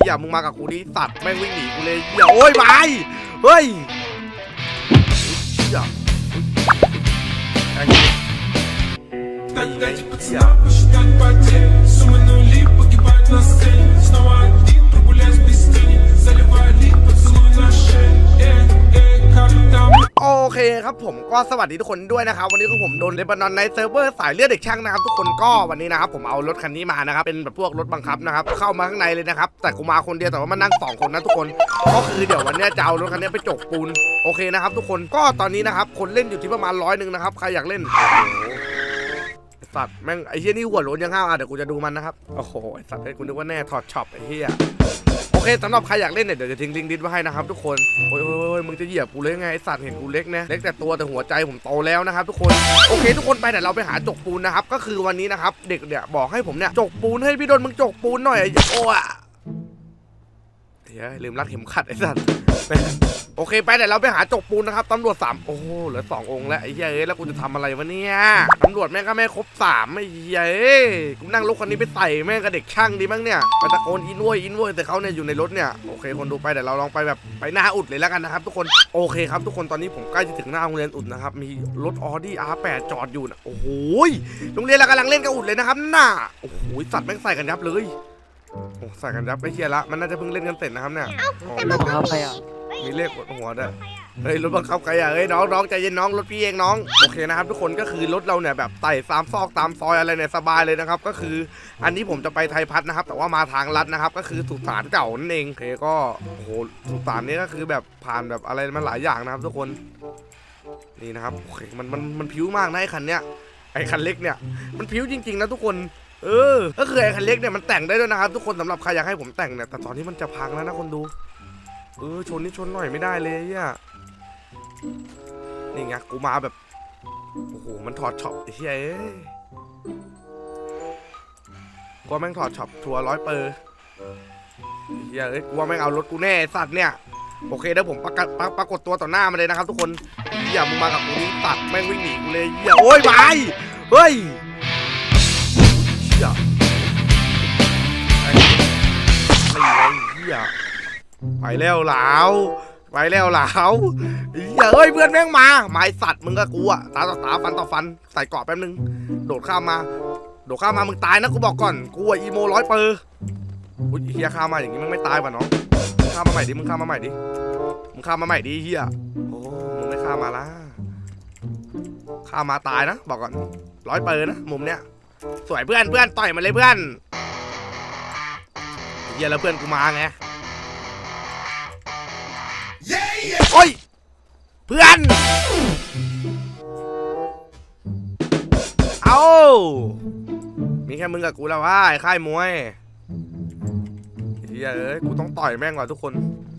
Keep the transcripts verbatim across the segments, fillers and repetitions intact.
หี้ยมึงมากับกูดิสัตว์แม่งวิ่งหนีกูเลยเหี้ยโอ้ยไปเฮ้ยเหี้ยไอ้เหี้ยโอเคครับผมก็สวัสดีทุกคนด้วยนะครับวันนี้คือผมโดนเลบานอนในเซิร์ฟเวอร์สายเลือดเด็กช่างนะครับทุกคนก็วันนี้นะครับผมเอารถคันนี้มานะครับเป็นแบบพวกรถบังคับนะครับเข้ามาข้างในเลยนะครับแต่กูมาคนเดียวแต่ว่ามันนั่งสองคนนะทุกคนก็คือเดี๋ยววันนี้จะเอารถคันนี้ไปจกปูนโอเคนะครับทุกคนก็ตอนนี้นะครับคนเล่นอยู่ที่ประมาณร้อยหนึ่งนะครับใครอยากเล่นสัตว์แม่งไอ้เหี้ยนี่หัวโล้นยังห้าวอ่ะเดี๋ยวกูจะดูมันนะครับโอ้โหไอ้สัตว์ไอ้กูนึกว่าแน่ถอดช็อปไอ้เหี้ยโอเคสำหรับใครอยากเล่นเนี่ยเดี๋ยวจะทิ้งลิงก์ดิสไว้ให้นะครับทุกคนโอ้ยโอ้ยมึงจะเหยียบกูเลยไงไอ้สัตว์เห็นกูเล็กนะเล็กแต่ตัวแต่หัวใจผมโตแล้วนะครับทุกคนโอเคทุกคนไปแต่เราไปหาจกปูนนะครับก็คือวันนี้นะครับเด็กเนี่ยบอกให้ผมเนี่ยจกปูนให้พี่โดนมึงจกปูนหน่อยโอ้ยเฮ้ยลืมรัดเข็มขัดไอ้สัตว์โอเคไปแต่เราไปหาจกปูนนะครับตำรวจสามโอ้โหเหลือสององค์แล้วไอ้เหี้ยเอ้ยแล้วกูจะทำอะไรวะเนี่ยตำรวจแม่งก็ไม่ครบสามไอ้เหี้ยเอ้ยกูนั่งรถคันนี้ไปใส่แม่งกับเด็กช่างดีมั้งเนี่ยไปตะโกนอินโวยอินโวยแต่เขาเนี่ยอยู่ในรถเนี่ยโอเคคนดูไปแต่เราลองไปแบบไปหน้าอุดเลยแล้วกันนะครับทุกคนโอเคครับทุกคนตอนนี้ผมใกล้จะถึงหน้าโรงเรียนอุดนะครับมีรถออดี้ อาร์ แปด จอดอยู่นะโอ้โหโรงเรียนเรากำลังเล่นกับอุดเลยนะครับน่าโอ้โหสัตว์แม่งใส่กันยับเลยโอ้ใส่กันยับไม่เชียร์ละมันน่าจะเพิ่งเล่นกันเสร็จนะครับเนี่ยรถบังคับใครอ่ะมีเลขบนหัวด้วยเฮ้ยรถบังคับใครอ่ะเฮ้ยน้องน้องใจเย็นน้องรถพี่เองน้องโอเคนะครับทุกคนก็คือรถเราเนี่ยแบบไต่ตามซอกตามซอยอะไรเนี่ยสบายเลยนะครับก็คืออันนี้ผมจะไปไทยพัฒนะครับแต่ว่ามาทางลัดนะครับก็คือสุสานเก่านั่นเองโอเคก็โอ้โหสุสานนี้ก็คือแบบผ่านแบบอะไรมันหลายอย่างนะครับทุกคนนี่นะครับโอเคมันมันมันผิวมากนะไอ้คันเนี้ยไอ้คันเล็กเนี่ยมันผิวจริงๆนะทุกคนเออก็คือไอ้คันเล็กเนี่ยมันแต่งได้ด้วยนะครับทุกคนสำหรับใครอยากให้ผมแต่งเนี่ยแต่ตอนนี้มันจะพังแล้วนะคนดูเออชนนี่ชนหน่อยไม่ได้เลยอ่ะนี่ไงกูมาแบบโอ้โหมันถอดช็อปไอ้เหี้ยเอ้ยกูแม่งถอดช็อปทัวร์ร้อยเปอร์เหี้ยเอ้ยกูว่าแม่งเอารถกูแน่สัตว์เนี่ยโอเคเดี๋ยวผมประกาศปรากฏตัวต่อหน้ามาเลยนะครับทุกคนเหี้ยมึงมากับกูนี่ตัดแม่งวิ่งหนีกูเลยเหี้ยโอ้ยไปเฮ้ยเหี้ยไอ้เหี้ยไปแล้วหลาวไปแล้วหลาวอย่าเอ้ยเพื่อนแม่งมาไม้สัตว์มึงก็กูอะตาต่อตาฟันต่อฟันใส่เกราะแป๊บนึงโดดข้ามมาโดดข้ามมามึงตายนะกูบอกก่อนกูอะอีโมร้อยเปอร์อุ้ยเฮียข้ามมาอย่างงี้มึงไม่ตายป่ะน้องมึงข้ามมาใหม่ดิมึงข้ามมาใหม่ดิมึงข้ามมาใหม่ดิเฮียโอ้มึงไม่ข้ามมาละข้ามมาตายนะบอกก่อนร้อยเปอร์นะมุมเนี้ยสวยเพื่อนเพื่อนต่อยมาเลยเพื่อนเฮียแล้วเพื่อนกูมาไงโอ้ยเพื่อนเอามีแค่มึงกับกูแล้วว่าไอ้ค่ายมวยเฮ้ยเอ้ยกูต้องต่อยแม่งว่ะทุกคน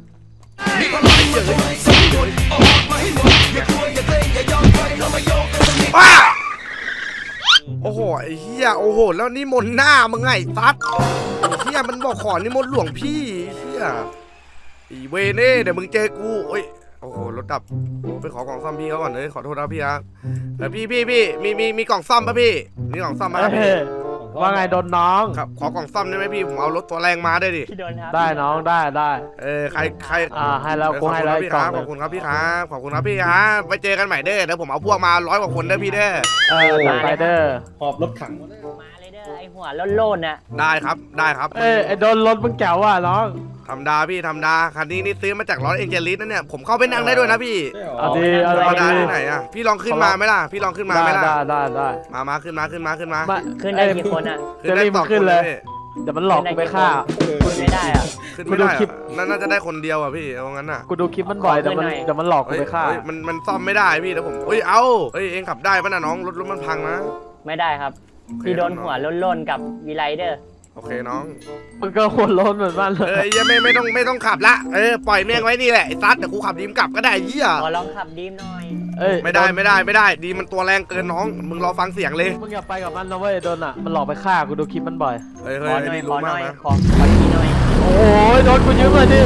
ว้าโอ้โหไอ้เหี้ยโอ้โหแล้วนี่มนหน้ามึงไงซัดไอ้เหี้ยมันบอกขอนี่มนหลวงพี่เหี้ยอีเวเน่เดี๋ยวมึงเจอกูโอ้ยโอ้โหรถดับโอ้ไปขอกล่องซ่อมพี่เขาก่อนเลยขอโทษนะพี่ครับแต่พี่พี่พี่มีมีมีกล่องซ่อมป่ะพี่มีกล่องซ่อมไหมพี่ว่าไงโดนน้องครับขอกล่องซ่อมได้ไหมพี่ผมเอารถตัวแรงมาได้ดิได้น้องได้ได้เออใครใครอ่าให้แล้วกูให้แล้วพี่ครับขอบคุณครับพี่ครับขอบคุณครับพี่ครับไปเจอกันใหม่เด้อเดี๋ยวผมเอาพวกมาร้อยกว่าคนเด้อพี่เด้อเออไปเด้อหอบรถถังมาเลยเด้อไอหัวโล่นๆน่ะได้ครับได้ครับเออไอโดนรถมึงแจ๋วว่ะน้องทำดาพี่ทำดาคันนี้นี่ซื้อมาจากร้อยเอ็นเจลิสนั่นเนี่ยผมเข้าไปนั่งได้ด้วยนะพี่เอาดีเอาดีที่ไหนอ่ะพี่ลองขึ้นมาไหมล่ะพี่ลองขึ้นมาไหมล่ะได้ได้ได้มามาขึ้นมาขึ้นมาขึ้นมาขึ้นได้กี่คนอ่ะขึ้นได้สองคนเลยเดี๋ยวมันหลอกกูไปฆ่าขึ้นไม่ได้อ่ะขึ้นไม่ได้นั่นน่าจะได้คนเดียวอ่ะพี่เอางั้นอ่ะกูดูคลิปมันบ่อยเดี๋ยวมันเดี๋ยวมันหลอกกูไปฆ่ามันมันซ่อมไม่ได้พี่เดี๋ยวผมเอ้ยเอาเอ้ยเองขับได้ป่ะน่ะน้องรถรถมันพังนะไม่ได้ครับพี่โดนหัวโล่นๆกับวีไลเดอร์โอเคน้องมึงก็หัวโล้นเหมือนบ้านเลยเอ้ยยังไม่ไม่ต้องไม่ต้องขับละเออปล่อยแม่งไว้นี่แหละไอ้ซัดเดี๋ยวกูขับดีมกลับก็ได้เหี้ยขอลองขับดีมหน่อยเอ้ยไม่ได้ไม่ได้ไม่ได้ดีมันตัวแรงเกินน้องมึงรอฟังเสียงเลยมึงอย่าไปกับมันนะเว้ยโดนอ่ะมันหลอกไปฆ่ากูดูคลิปมันบ่อยเฮ้ยเฮ้ยนี่รู้มากนะขอขอทีหน่อยโอ้ยโดนกูยืมเลยดิ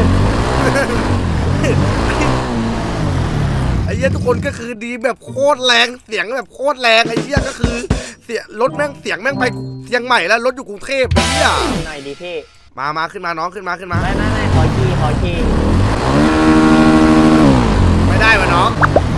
ไอ้เหี้ยทุกคนก็คือดีแบบโคตรแรงเสียงแบบโคตรแรงไอ้เหี้ยก็คือเสียรถแม่งเสียงแม่งไปเชียงใหม่แล้วรถอยู่กรุงเทพเหี้ยหน่อยดิพี่มามาขึ้นมาน้องขึ้นมาขึ้นมาไม่ไม่ไม่ขอขี่ขอขี่ไม่ได้วะน้อง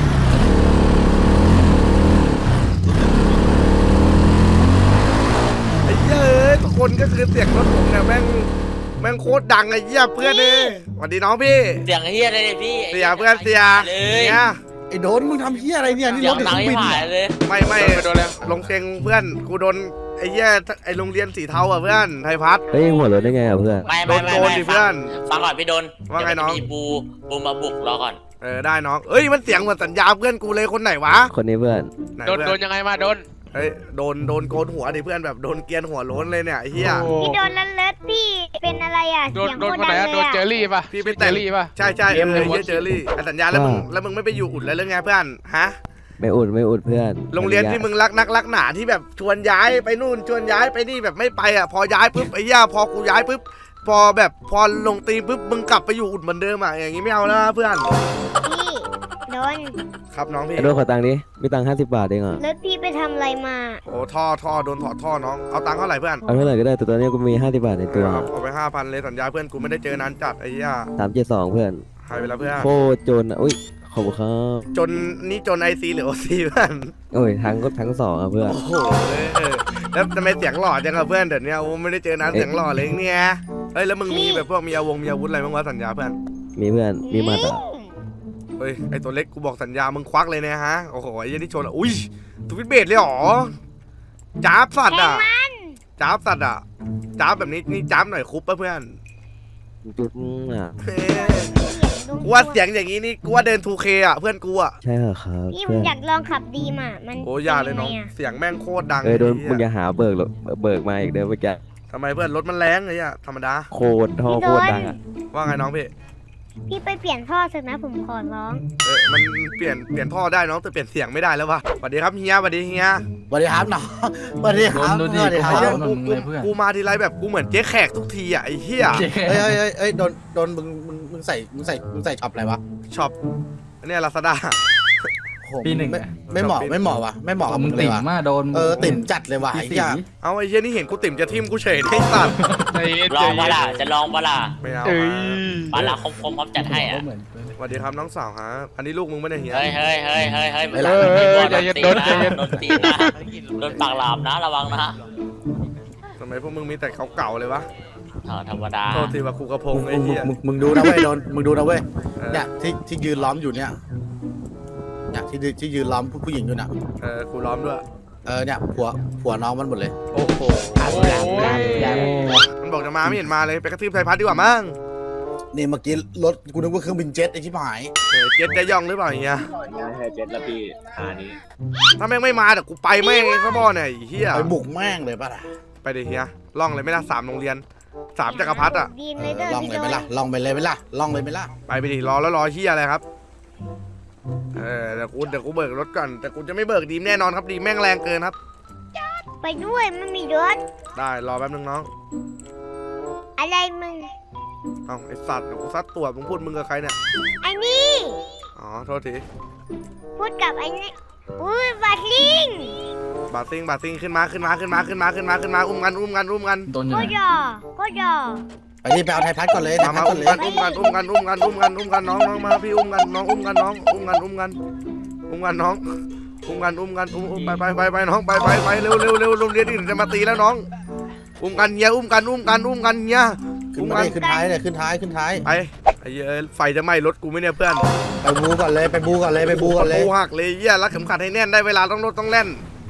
ไอ้เหี้ยเอ้ยทุกคนก็คือเสียงรถผมเนี่ยแม่งแม่งโคตรดังไอ้เหี้ยเพื่อนเลยสวัสดีน้องพี่เสียงเฮียเลยเนี่ยพี่เสียเพื่อนเสียเลยเนี่ยไอ้โดนมึงทำเหี้ยอะไรเนี่ยนี่เสีรยงถเด็กดังเครื่องที่บินหายเนี่ยเลยไม่ไม่ลงเซ็งเพื่อนกูโดนไอ้เหี้ยไอ้โรงเรียนสีเทาอ่ะเพื่อนไทยพัฒน์เฮ้ยหัวรถได้ไงอ่ะเพื่อนไม่โดไม่นไม่โกนไม่ดิเพื่อนฟังก่อนพี่โดนว่าไงน้องเดี๋ยมีบูบูมาบุกรอก่อนเออได้น้องเอ้ยมันเสียงเหมือนสัญญาเพื่อนกูเลยคนไหนวะคนนี้เพื่อนไหนโดนเพื่อโดนยังไงมาโดนเฮ้ยโดนโดนโกนหัวดิเพื่อนแบบโดนเกรียนหัวโล้นเลยเนี่ยไอ้เหี้ยพี่โดนลันเลิศพี่เป็นอะไรอ่ะโดนเสียงโดนโคตคนรไหนดังอะเลโดยนเจออ่ะรี่ป่ะพี่ไปเจแต่อง รี่ป่ะใช่ใช่เออไอ้เหี้ยเจอรี่ไอ้สัญญาแล้วมึงแล้วมึงไม่ไปอยู่อุ่นแล้วหรือไงเพื่อนฮะไม่อุดไม่อุดเพื่อนโรงเรียนที่มึงรักนักรักหนาที่แบบชวนย้ายไปนู่นชวนย้ายไปนี่แบบไม่ไปอ่ะพอย้ายปุ๊บไอ้เหี้ยพอกูย้ายปุ๊บพอแบบพอลงตีปุ๊บมึงกลับไปอยู่อุ่นเหมือนเดิมอ่ะอย่างงี้ไม่เอาแล้วนะเพื่อนพี่โดนครับน้องพี่ไอ้โดนขอตังค์ดิมีตังค์ห้าสิบบาทเองอ่ะรถพี่ไปทำอะไรมาโอ้ท่อท่อโดนถอดท่อน้องเอาตังค์เท่าไหร่เพื่อนเอาเท่าไหร่ก็ได้แต่ตอนนี้กูมีห้าสิบบาทในตัวเอาเอาไปห้าพันเลยสัญญาเพื่อนกูไม่ได้เจอนานจัดไอ้เหี้ยสามเจ็ดสองเพื่อนหายไปแล้วเพื่อนโคตรจนอ่ะอุ้ยขอบคุณครับจนนี่จนไอซีหรือโอซีเพื่อนโอ้ยทั้งก็ทั้งสองอ่ะเพื่อนโอ้โหเออแล้วทำไมเสียงหล่อจังอะเพื่อนเดี๋ยวนี้โอ้ไม่ได้เจอนานเสียงหล่อเลยเนี่ยเฮ้ยแล้วมึงมีแบบพวกมีอาวงมีอาวุธอะไรบ้างวะสัญญาเพื่อนมีเพื่อนมีหมัดอ่ะเฮ้ยไอตัวเล็กกูบอกสัญญามึงควักเลยนะฮะโอ้โหไอ้ยี่นี่ชนอ่ะอุ้ยทวิตเบสเลยเหรอจ้าบสัตว์อ่ะจ้าบสัตว์อ่ะจ้าบแบบนี้นี่จ้าบหน่อยคุปป่ะเพื่อนจุดอ่ะเฮ้ยกูว่าเสียงอย่างนี้นี่กูว่าเดิน ทูเค อ่ะเพื่อนกูอ่ะใช่เหรอครับพี่มึเพื่งอนอยากลองขับดีมามันโอ้ยาเลยน้องป็ไะเสียงแม่งโคตรดังเอ้ยโดนไอ้มึงอเหี้ยย่าหาเบิกหรอกเบิกมาอีกเด้อเมื่อกี้ทำไมเพื่อนรถมันแรงไอ้เหี้ยธรรมดาโคตรท่อโคตรดังอ่ะว่าไงน้องพี่พี่ไปเปลี่ยนท่อเถอะนะผมขอร้องเออมันเปลี่ยนเปลี่ยนท่อได้น้องแต่เปลี่ยนเสียงไม่ได้แล้ววะสวัสดีครับเฮียสวัสดีเฮียสวัสดีครับน้องสวัสดีครับสวัสดีคไอ้รับเหี้ยกูกูกูมาทีไรแบบกูเหมือนเจ๊แขกทุกทีอ่ะไอ้เหี้ยเฮ้ยเฮ้ยเฮ้ยเฮ้ยโดนโดนมึงมึงมึงใส่มึงใส่มึงใส่ช็อปอะไรวะช็อปอันเนี้ลาซาด้าโอ้โหไม่ไม่เหมาะไม่เหมาะวะไม่เหมาะกับมึมึงงเลติ่ยมวะมาโดนเออติ่มจัดเลยว่ะไอ้เหี้ยเอาไอ้เหี้ยนี่เห็นกูติ่มจะทิ่มกูเฉยได้สัตว์ใจเย็นลใจองปะเย็นล่ะจะลองปะล่ะไม่เอาเอ้ยปะล่ะคมคมพร้อมจัดให้อ่ะเหมือนสวัสดีครับน้องสาวฮะอันนี้ลูกมึงไม่ได้เฮียเฮ้ยเฮ้ยเฮ้ยเฮ้ยเฮ้ยไม่ละโดนใจเย็นตีโดนใจนะเย็นโดนตีนะโดนปากหลามนะระวังนะทำไมพวกมึงมีแต่เก่าๆเลยวะเออธรรมดาโทษทีว่าครูกระพงมึงไอ้มึงเหี้ยมึงมึงดูนะเว้ยโดนมึงดูนะเว้ยเออเนี่ยที่ที่ยืนล้อมอยู่เนี่ยเนี่ยที่ที่ยืนล้อมผู้หญิงอยู่น่ะเออกูล้อมด้วยเออเนี่ยผัวผัวน้องมันหมดเลยโอ้โหโอ้ยมันบอกจะมาไม่เห็นมาเลยไปกระทืบไทยพัฒน์ดีกว่ามั้งนี่เมื่อกี้รถกูนึกว่าเครื่องบินเจ็ตไอ้ชิบหายเออเจ็ดจะย่องหรือเปล่าเฮียเจ็ดละพี่หานี้ถ้าแม่งไม่มาเดี๋ยวกูไปแม่งซะบ่เนี่ยไอ้เฮียไปบุกแม่งเลยป่ะล่ะไปเดี๋ยวเฮียล่องเลยไหม่ละสามโรงเรียนสามจักรพรรดิอ่ะดีมเอเลยอเด้อลองพี่เลยโดไหมนล่ะลองไปเลยไหมล่ะลองเลยไหมล่ะไปไปดิรอแล้วรอเฮียอะไรครับเออเดี๋ยวกูเดี๋ยวกูเบิกรถก่อนแต่กูจะไม่เบิกดีมแน่นอนครับดีมแม่งแรงเกินครับไปด้วยไม่มีรถได้รอแป๊บนึงน้องอะไรมึงเอาไอสัตว์เดี๋ยวกูซัดตัวมึงพูดมึงกับใครเนี่ยไอ้นี่อ๋อโทษทีพูดกับไอ้นี่อุ้ยบาลิงบาซิงบาซิงขึ้นมาขึ้นมาขึ้นมาขึ้นมาขึ้นมาขึ้นมาอุ้มกันอุ้มกันอุ้มกันโดนอยู่ก็ไหนยอก็ยอไปที่ไปเอาไทยพัดก่อนเลยไทมายพัมาดก่ออุ้นมเลยกันอุ้มกันอุ้มกันอุ้มกันอุ้มกันอุ้มกันน้องน้องมาพี่อุ้มกันน้องอุ้มกันน้องอุ้มกันอุ้มกันอุ้มกันน้องอุ้มกันอุ้มกันอุ้มอุ้มไปไปไปไปน้องไปไปไปเร็วเร็วเร็วโรงเรียนอื่นจะมาตีแล้วน้องอุ้มกันเฮียอุ้มกันอุ้มกันอุ้มกันเฮียขึ้นอุ้มมากันดิขึ้นท้ายเลยขึ้นท้ายขึ้นท้ายไปไอ้เหี้ยไฟจะไหม้รถกูไหมเนี่ยเพื่อนไปบูก่อนเลยไปบูก่อนเลยไปบูก่อนเลยกูหักเลยเฮียรัดเข็มขัดให้แน่นได้เวลาต้องรถต้องแล่น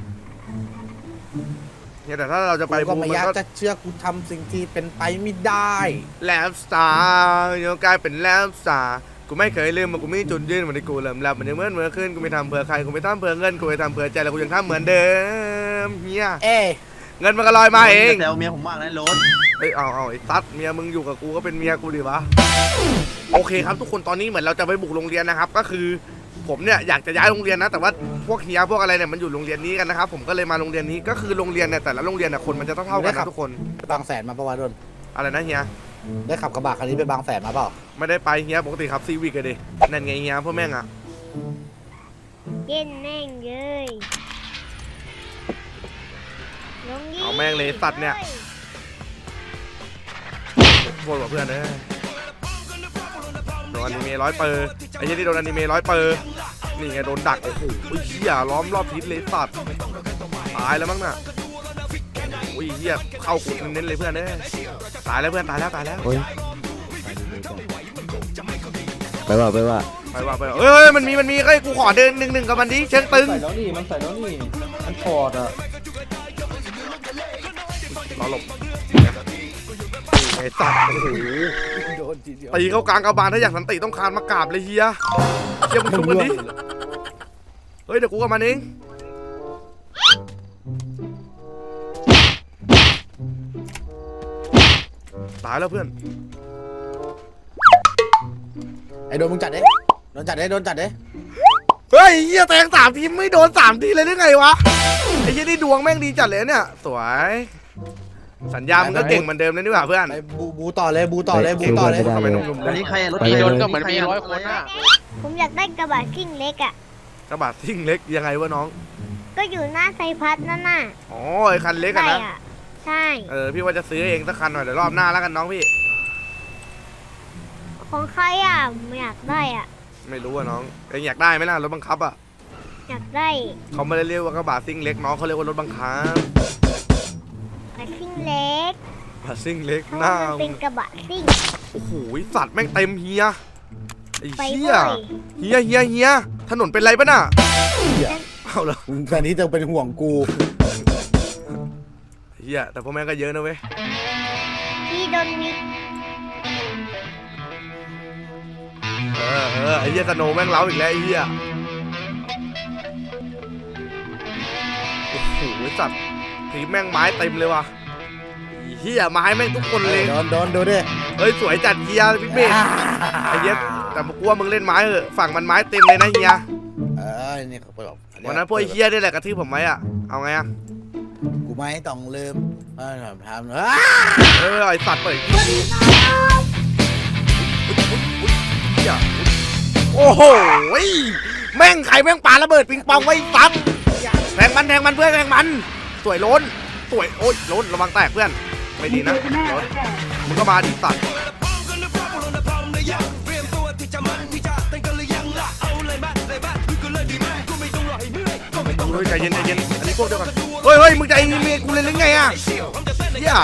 เนี่ยแต่ถ้าเราจะไปกูก็บูไม่มันอยากก็จะเชื่อกูทำสิ่งที่เป็นไปไม่ได้แลมสตาร์โยกลายเป็นแลมสตาร์กูไม่เคยลืมมันกูมีจุดยืนเหมือนที่กูเริ่มแล้วมันยังเหมือนเมื่อคืนกูไม่ทำเผื่อใครกูไม่ทำเผื่อเงินกูไม่ทำเผื่อใจแล้วกูยังทำเหมือนเดิมเฮียเอ้ยเงินมันก็ลอยมาเองแซวเมียผมมากนะโรถเฮ้ยเอาเอาไอ้ตัดเมียมึงอยู่กับกูก็เป็นเมียกูดิวะโอเคครับทุกคนตอนนี้เหมือนเราจะไปบุกโรงเรียนนะครับก็คือผมเนี่ยอยากจะย้ายโรงเรียนนะแต่ว่าพวกเฮียพวกอะไรเนี่ยมันอยู่โรงเรียนนี้กันนะครับผมก็เลยมาโรงเรียนนี้ก็คือโรงเรียนเนี่ยแต่ละโรงเรียนเนี่ยคนมันจะเท่าๆกันนะทุกคนบางแสนมาปะวะโดนอะไรนะเฮียได้ขับกระบะคันนี้ไปบางแสนมาเปล่าไม่ได้ไปเฮียปกติครับซีวิกเลยดินั่นไงเฮียพวกแม่งอะเย็นแม่งเลยลงยิเอาแม่งเลยสัตว์เนี่ยลโทษว่ะเพื่อนเอ้ยโดนอนิเมะร้อยเปอร์ไอ้เหี้ยนี่โดนอนิเมะร้อยเปอร์นี่ไงโดนดักโอ้โหเหี้ยล้อมรอบทิศเลยสัตว์ตายแล้วมั้งน่ะโอ้ยเหี้ยเข้ากุดเน้นๆเลยเพื่อนเอ้ยตายแล้วเพื่อนตายแล้วตายแล้วโอ้ยไปว่าไปว่าไปว่าไปว่าเอ้ยมันมีมันมีเอ้ยกูขอเดินหนึ่งหนึ่งกับมันดิเชิงตึงใส่แล้วนี่มันใส่แล้วนี่มันถอดอ่ะรอหลบไอ้สัตว์โอ้โหโดนทีเดียวตีเข้ากลางกระบาลถ้าอยากสันติต้องคานมากราบเลยเฮียเฮียมึงชุบกันดิเฮ้ยเดี๋ยวกูกับมันเองตายแล้วเพื่อนไอ้โดนมึงจัดเด้โดนจัดเด้โดนจัดเด้เฮ้ยเฮียแทงสามทีไม่โดนสามทีเลยได้ไงวะไอ้เฮียนี่ดวงแม่งดีจัดเลยเนี่ยสวยสัญญามึงก็เก่งเหมือนเดิมเลยนี่หว่าเพื่อนไปบูบูต่อเลยบูต่อเลยบูต่อเลยทำไมหนุ่มๆอันเลยนี้ใครรถไปใครเลยรถก็เหมือนมีร้อยคนอ่ะผมอยากได้กระบะซิ่งเล็กอ่ะกระบะซิ่งเล็กยังไงวะน้องก็อยู่หน้าไซพัสนั่นน่ะอ๋อไอ้คันเล็กอะใช่นะอ่ะ ใช่เออพี่ว่าจะซื้อเองสักคันหน่อยเดี๋ยวรอบหน้าแล้วกันน้องพี่ของใครอ่ะไม่อยากได้อ่ะไม่รู้อะน้องเองอยากได้ไหมล่ะรถบังคับอะอยากได้เขาไม่ได้เรียกว่ากระบะซิ่งเล็กน้องเขาเรียกว่ารถบังคับกระบะซิ่งเล็กกระบะซิ่งเล็กเพราะหน้าว่ามันเป็นกระบะซิ่งโอ้โหสัตว์แม่งเต็มเฮียไอ้ไปเฮีด้วย ยเฮียเฮียเฮียถนนเป็นไรปะน่ะเอาละมึงตอนนี้จะเป็นห่วงกูเฮียแต่พวกแม่งก็เยอะนะเว้ยพี่โดนวิกเออเออไอ้เฮียสโนว์แม่งเล้าอีกแล้วไอ้เฮียโอ้โหสัตว์ทีแม่งไม้เต็มเลยว่ะไอ้เฮียไม้แม่งทุกคนเลยโดนโดนดูดิเฮ้ยสวยจัดเฮียพี่เมฆไอ้เฮียแต่กูว่ามึงเล่นไม้เหอะฝั่งมันไม้เต็มเลยนะเฮียเออนี่เขาบอกวันนั้นพวกไอ้เฮียนี่แหละกระทืบผมไหมอะเอาไงอะกูไม่ต้องลืมเออทำเออเออไอสัตว์เปิดเฮียโอ้โหแม่งใครแม่งปาระเบิดปิงปองไว้ซ้ำแทงมันแทงมันเพื่อนแทงมันสวยล้นสวยโอ๊ยล้นระวังแตกเพื่อนไม่ดีนะล้นมึงก็มาดิสัตว์เฮ้ยใจเย็นใจเย็นอันนี้พวกเดียวกันเฮ้ยเฮ้ยมึงใจเย็นเมียกูเลยหรือไงอ่ะเฮีย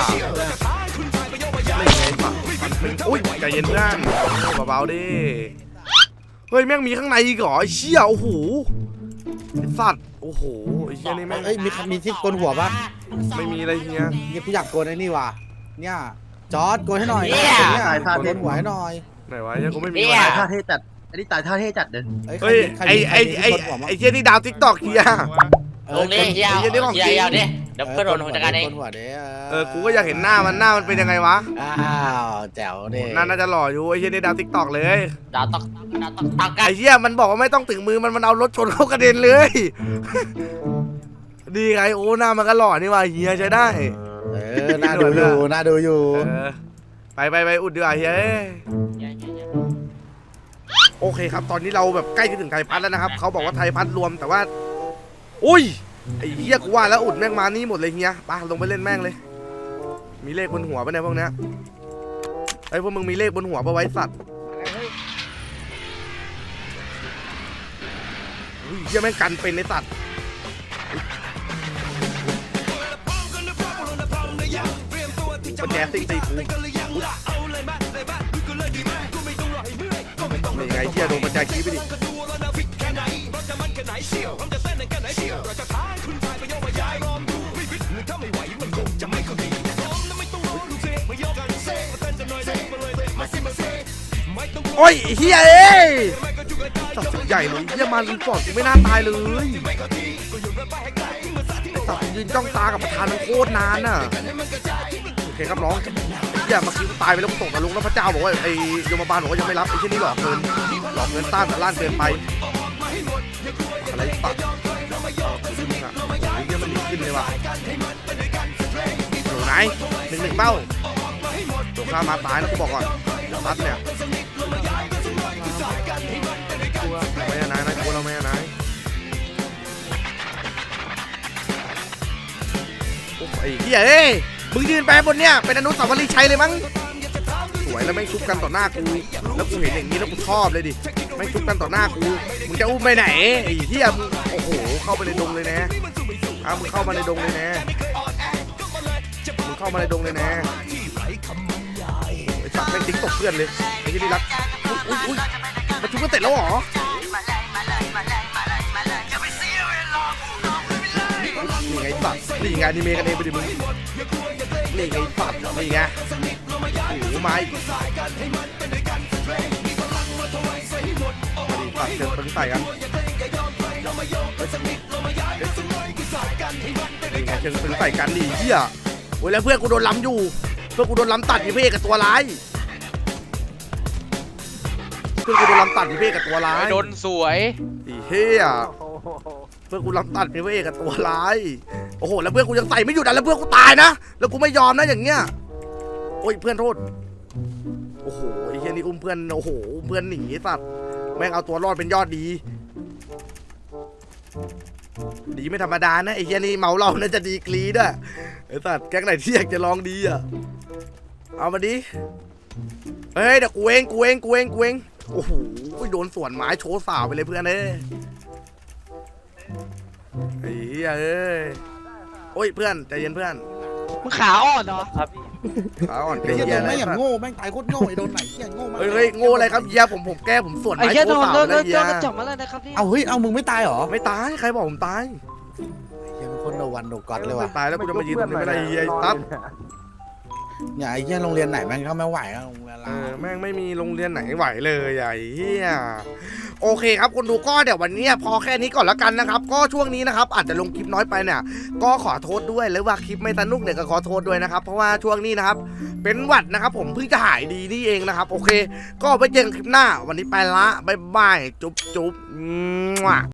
อุ้ยใจเย็นเพื่อนเบาๆดิเฮ้ยแม่งมีข้างในอีกเหรอไอ้เชี่ยโอ้โหไอ้สัตว์โอ้โหไอ้เชี่ยนี่แม่งเอ้ยมีมีที่โกนหัวปะไม่มีอะไรเฮียเนี่ยกูอยากโกนไอ้นี่ว่ะเนี่ยจอร์ดโกนให้หน่อยเนี่ยโกนหัวให้หน่อยไหนวะเฮียกูไม่มีเนี่อะไรยท่าเท่จัดอันนี้ตายท่าเท่จัดเลยเฮ้ยไอ้ไอ้ไอ้ไอ้เชี่ยนี่ดาวทิกตอกเฮียลงดิเฮียไอ้เหี้ยนี่ของเฮียจริงเฮียดิเดี๋ยวเพื่อนโดนผมจัดการเองโกนหัวเด้เออกูก็อยากเห็นหน้ามันหน้ามันเป็นยังไงวะอ้าวแจ๋วเด้น่าจะหล่ออยู่ไอ้เชี่ยนี่ดาวทิกตอกเลยดาวตอกดาวตอกตอกกันไอ้เชี่ยมันบอกว่าไม่ต้องถึงมือมันมันเอารถชนเข้ากระเด็นเลย ดีไงโอ้หน้ามันก็หล่อนี่ว่ะเฮียใช้ได้เออน่าดูอยู่น่าดูอยู่เออไปไปไปอุดดีกว่าเฮียเอ้ยเฮียเฮียเฮียโอเคครับตอนนี้เราแบบใกล้จะถึงไทยพัฒน์แล้วนะครับเขาบอกว่าไทยพัฒน์รวมแต่ว่าอุ้ยไอ้เฮียกูว่าแล้วอุดแม่งมานี่หมดเลยเฮียไปลงไปเล่นแม่งเลย มีเลขบนหัวปะเนี่ยพวกเนี้ยไอ้พวกมึงมีเลขบนหัวปะไว้สัตว์อุ้ยเฮียแม่งกันเป็นในสัตว์ปัญแจซิ่งตีกูนี่ไงเฮียโดนปัญแจขี้ไปดิโอ้ยเฮียเอ้ยตัดสินใหญ่เลยเฮียมารีพอร์ตกูไม่น่าตายเลยไอ้ตัดยืนจ้องตากับประธานมันโคตรนานน่ะโอเคครับน้องเฮียเมื่อกี้กูตายไปแล้วกูตกนรกแล้วพระเจ้าบอกว่าไอ้ยมบาลบอกว่ายังไม่รับไอ้เช่นนี้หลอกเงินหลอกเงินต้านแต่ล้านเกินไปอะไรตัดขึ้นอ่ะโอ้ยเฮียมันดีขึ้นเลยว่ะโหไหนหนึ่งหนึ่งเป้าตัวข้ามาตายแล้วกูบอกก่อนตัดเนี่ยไม่นายนะกูเราไม่นายโอ้ยเฮียเอ้ยมึงยืนไปบนเนี่ยเป็นอนุสาวรีย์ชัยเลยมั้งวยแล้วแม่งชุบกันต่อหน้ากูแล้วกูเห็นอย่างนี้แล้วกูชอบเลยดิแม่งชุบกันต่อหน้ากูมึงจะอุ้มไปไหนไอ้เหี้ยมึงโอ้โหเข้าไปในดงเลยนะอ้าวมึงเข้ามาในดงเลยนะมึงเข้ามาในดงเลยนะไอ้สัตว์แม่งติ๊กตกเพื่อนเลยไอ้ที่นี่รักอุ้ยอุ้ยอุ้ยมาชุบกันเสร็จแล้วเหรอนี่ไงสัตว์นี่ไงนี่เมกันเองไปดิมึงนี่ไงสัตว์นี่ไงโอ้โหไม้ตัดเชิงปืนใส่กันนี่ไงเชิงปืนใส่กันดิเหี้ยโอ้ยแล้วเพื่อนกูโดนล้ำอยู่เพื่อนกูโดนล้ำตัดอีเพ่กับตัวร้ายเพื่อนกูโดนล้ำตัดอีเพ่กับตัวร้ายโดนสวยอีเหี้ยเพื่อนกูล้ำตัดอีเพ่กับตัวร้ายโอ้โหแล้วเพื่อนกูยังใส่ไม่หยุดอ่ะแล้วเพื่อนกูตายนะแล้วกูไม่ยอมนะอย่างเงี้ยโอ้ยเพื่อนโทษโอ้โหไอ้เหี้ยนี่อุ้มเพื่อนโอ้โหอุ้มเพื่อนหนีสัตว์แม่งเอาตัวรอดเป็นยอดดีดีไม่ธรรมดานะไอ้เหี้ยนี่เมาเหล้าน่าจะดีกรีด้วยไอ้สัตว์แก๊งไหนที่อยากจะลองดีอ่ะเอามาดิเฮ้ยเดี๋ยวกูเองกูเองกูเองกูเองโอ้โหโดนสวนไม้โชว์สาวไปเลยเพื่อนเอ้ยไอ้เหี้ยเอ้ยโอ้ยเพื่อนใจเย็นเพื่อนมึงขาอ่อนเหรอขาอ่อนไอ้ไอ้เหี้ยเหี้ยโดนนะไม่อย่างโง่แม่งตายโคตรโง่ไอ้โดนไหนเหี้ยโง่มากเฮ้ยเฮ้ยโง่อะไรครับเหี้ยผมผมแก้ผมสวนไอ้ไม้เหี้ยโชโดว์นสาวโดนเลยโดเหี้ยนกระจกมาแล้วนะครับพี่เอาเฮ้ยเอามึงไม่ตายเหรอไม่ตายใครบอกผมตายเหี้ยเป็นคนโนวันโนก็อดเลยว่ะตายแล้วกูจะมายืนตรงนี้ไม่ได้เหี้ยไอ้ตั๊บเนี่ยไอ้เหี้ยโรงเรียนไหนแม่งเข้าไม่ไหวแล้วโรงเรียนเอเราอแม่งไม่มีโรงเรียนไหนไหวเลยไอ้เหี้ยโอเคครับคนดูก็เดี๋ยววันนี้พอแค่นี้ก่อนแล้วกันนะครับก็ช่วงนี้นะครับอาจจะลงคลิปน้อยไปเนี่ยก็ขอโทษด้วยหรือว่าคลิปไม่สนุกเนี่ยก็ขอโทษด้วยนะครับเพราะว่าช่วงนี้นะครับเป็นหวัดนะครับผมเพิ่งจะหายดีนี่เองนะครับโอเคก็ไปเจอกันคลิปหน้าวันนี้ไปละบ๊ายบายจุ๊บจุ๊บ